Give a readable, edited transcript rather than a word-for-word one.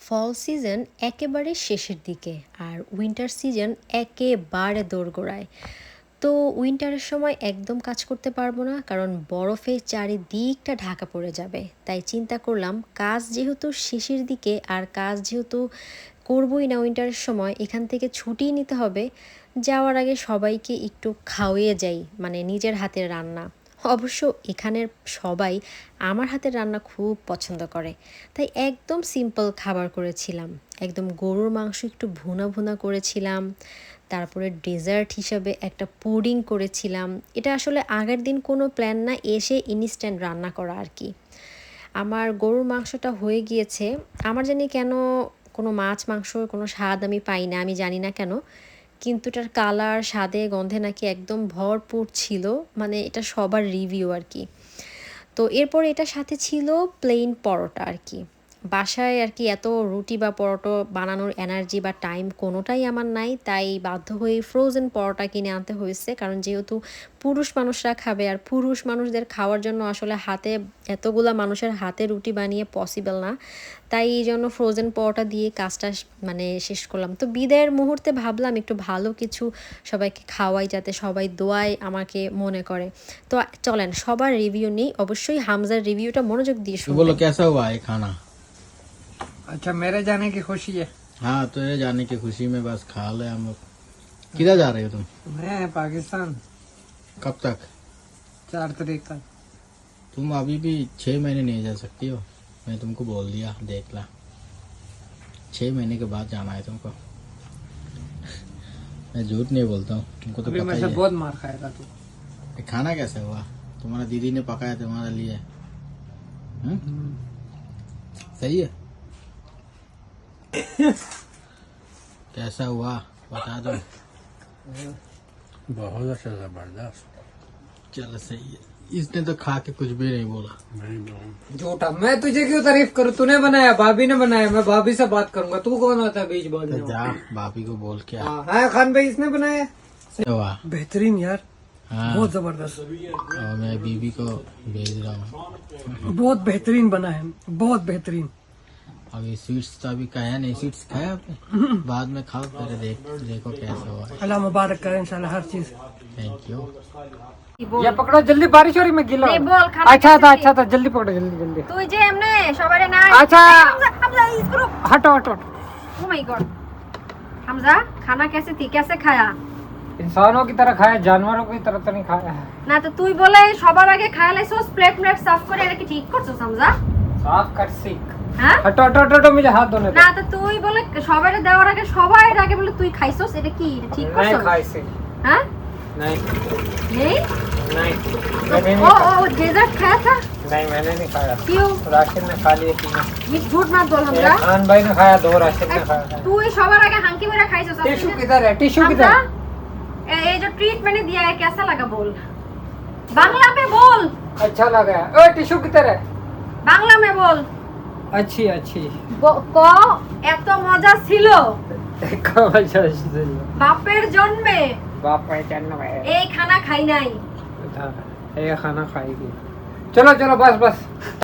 ফল season একেবারে শেষের দিকে আর উইন্টার সিজন একেবারে দোরগোড়ায়। তো উইন্টারের সময় একদম কাজ করতে পারবো না, কারণ বরফে চারিদিকটা ঢাকা পড়ে যাবে। তাই চিন্তা করলাম, কাজ যেহেতু শেষের দিকে আর কাজ যেহেতু করবই না উইন্টারের সময়, এখান থেকে ছুটি নিতে হবে। যাওয়ার আগে সবাইকে একটু খাওয়িয়ে যাই, মানে নিজের হাতের রান্না। অবশ্য এখানের সবাই আমার হাতের রান্না খুব পছন্দ করে, তাই একদম সিম্পল খাবার করেছিলাম। একদম গরুর মাংস একটু ভুনা ভুনা করেছিলাম, তারপরে ডেজার্ট হিসাবে একটা পুডিং করেছিলাম। এটা আসলে আগের দিন কোনো প্ল্যান না, এসে ইনস্ট্যান্ট রান্না করা আর কি। আমার গরুর মাংসটা হয়ে গিয়েছে। আমার জানি কেন কোনো মাছ মাংসর কোনো স্বাদ আমি পাই না, আমি জানি না কেন, কিন্তু এটার কালার স্বাদে গন্ধে নাকি একদম ভরপুর ছিল। মানে এটা সবার রিভিউ আর কি। তো এরপর এটার সাথে ছিল প্লেন পরোটা আর কি। বাসায় আর কি এত রুটি বা পরোটা বানানোর এনার্জি বা টাইম কোনোটাই আমার নাই, তাই বাধ্য হয়ে ফ্রোজেন পরোটা কিনে আনতে হয়েছে। কারণ যেহেতু পুরুষ মানুষরা খাবে, আর পুরুষ মানুষদের খাওয়ার জন্য আসলে হাতে এতগুলা মানুষের হাতে রুটি বানিয়ে পসিবল না। তাই এই জন্য ফ্রোজেন পরোটা দিয়ে কাজটা মানে শেষ করলাম। তো বিদায়ের মুহূর্তে ভাবলাম একটু ভালো কিছু সবাইকে খাওয়াই, যাতে সবাই দোয়ায় আমাকে মনে করে। তো চলেন সবার রিভিউ নিই। অবশ্যই হামজার রিভিউটা মনোযোগ দিয়ে तो শুনবেন। बोलो कैसा हुआ है खाना। अच्छा, मेरे जाने की खुशी है। हाँ, तेरे जाने की खुशी में बस खा ले हम लोग। किधर जा रहे हो तुम? मैं पाकिस्तान कब तक? 4 तारीख तक। तुम अभी भी 6 महीने नहीं जा सकती हो। मैं तुमको बोल दिया, देख ला। 6 महीने के बाद जाना है तुमको। मैं झूठ नहीं बोलता हूँ, तुमको तो अभी पता मैं ही से है। बहुत मार खाएगा तू। ये खाना कैसे हुआ? तुम्हारा दीदी ने पकाया तुम्हारे लिए। सही है। कैसा हुआ बता दो। बहुत अच्छा जबरदस्त। चलो सही है। इसने तो खा के कुछ भी नहीं बोला। झूठा, मैं तुझे क्यों तारीफ करूँ? तूने बनाया, भाभी ने बनाया, मैं भाभी से बात करूंगा। तू कौन होता है बीच बोलने तो जा भाभी को बोल के आ। हाँ, खान भाई इसने बनाया। हुआ। बेहतरीन यार, हाँ, बहुत जबरदस्त, और मैं बीबी को भेज रहा हूँ। बहुत बेहतरीन बना है, बहुत बेहतरीन। अभी स्वीट्स तो अभी खाया नहीं। स्वीट्स खाया आपने? बाद में खाओ, पहले देखो कैसा हुआ है। अल्लाह मुबारक करे इंशाल्लाह हर चीज। Thank you. ये पकड़ो जल्दी, बारिश हो रही, मैं गिला। नहीं, बोल, खाना अच्छा कैसे था, थी? अच्छा था, जल्दी पकड़ो, जल्दी जल्दी। তুই যে এমনে সবারে না अच्छा। হামজা इसको हटो हटो। Oh my God. হামজা খানা कैसे थी, कैसे खाया? इंसानों की तरह खाया, जानवरों की तरह तो नहीं खाया है। না তো তুই বলে সবার আগে খায়া লাইছস, প্লেট সাফ করে এটা কি ঠিক করছস হামজা? साफ कर सीख। হ্যাঁ हटो हटो हटो, मुझे हाथ धोने दो। না তো তুই বলে সবারে দেওয়ার আগে সবার আগে বলে তুই খাইছস, এটা কি এটা ঠিক नहीं করছস? खाई से। হ্যাঁ नहीं नहीं नहीं, तो मैंने ओ नहीं खाया। ओ डेजर्ट खाया था? नहीं, मैंने नहीं खाया। क्यों? राशिद ने खा लिए, तीनों। ये झूठ मत बोल एक হামজা। खान भाई ने खाया, 2 राशिद ने खाया। তুই সবার আগে হাঙ্কি মেরে খাইছস। टिश्यू किधर है? टिश्यू হামজা किधर? ये जो ट्रीट मैंने दिया है कैसा लगा बोल, बांग्ला में बोल, अच्छा लगा है। ओ टिश्यू किधर है? बांग्ला में बोल। अच्छी अच्छी। ক এত মজা ছিল देखो अच्छा अच्छी। বাপের জন্মে बाप पहचान में এই খানা খাই নাই। ये खाना खाएगी। चलो चलो, बस बस।